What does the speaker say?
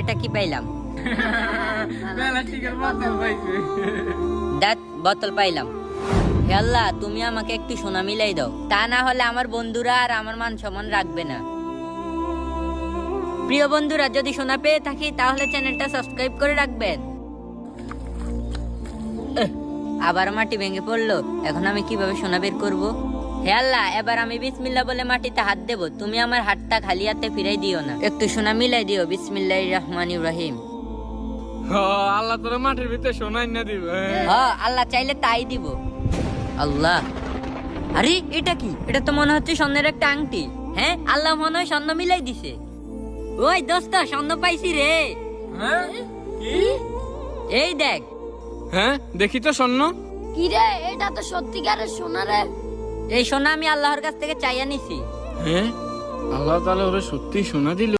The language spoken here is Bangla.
এটা কি পাইলাম? প্লাস্টিকের বোতল পাইছে। দেখ বোতল পাইলাম। হে আল্লাহ, তুমি আমাকে একটু সোনা মিলাই দাও, তা না হলে আমার বন্ধুরা আর আমার মান সম্মান রাখবে না। প্রিয় বন্ধুরা, যদি সোনা পেয়ে থাকি তাহলে চ্যানেলটা সাবস্ক্রাইব করে রাখবেন। আবার মাটি ভেঙে পড়লো, এখন আমি কিভাবে সোনা বের করব? হে আল্লাহ, এবার আমি বিসমিল্লাহ বলে মাটিতে হাত দেব, তুমি আমার হাতটা খালি হাতে ফিরাই দিও না, একটু সোনা মিলাই দিও। বিসমিল্লাহির রহমানির রহিম। আল্লাহ তোর মাটির ভিতরে সোনাই না দিব। হ্যাঁ, আল্লাহ চাইলে তাই দিব। আল্লাহ, আরে এটা কি? এটা তো মনে হচ্ছে স্বর্ণের একটা আংটি। হ্যাঁ, আল্লাহ মনে হয় স্বর্ণ মিলাই দিছে। ওই দোস্ত, স্বর্ণ পাইছি রে। হ্যাঁ কি? এই দেখ। হ্যাঁ দেখি তো স্বর্ণ। কি রে, এটা তো সত্যিকারের সোনা রে। এই সোনা আমি আল্লাহর কাছ থেকে চাইয়া নিছি। হ্যাঁ, আল্লাহ তাআলা ওরে সত্যি সোনা দিল।